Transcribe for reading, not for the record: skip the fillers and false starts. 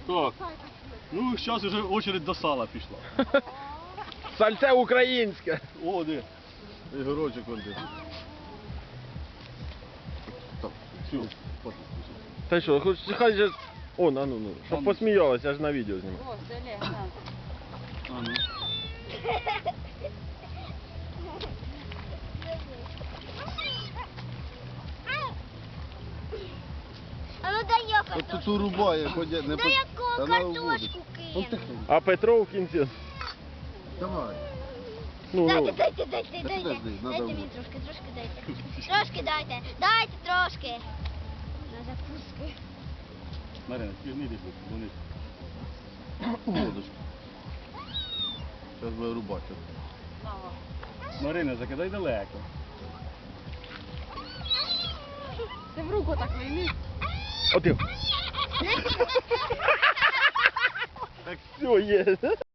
Так. Ну, зараз вже очередь до сала пішла. Сальце українське. О, де? Ігорочок он де. Так, все, хватить. Та що, хоч хай же... О, ну, щоб посміялась, я ж на відео знімаю. О, це Олег, на. А, ну. А ну дай я От тут урубає, ходя, не Дай яку Та на картошку Он кину. тихо. А Петро в кінці. Давай. Ну, Дайте, ну. дайте, дайте, Та дайте. подожди, надо Дайте мені вот. трошки дайте. Трошки дайте. Дайте трошки. На закуски. Марина, ти не лізь, вони. Водочку. Зараз буде рубати. Марина, закидай далеко. Ти в руку так вийми. Один. Так все є.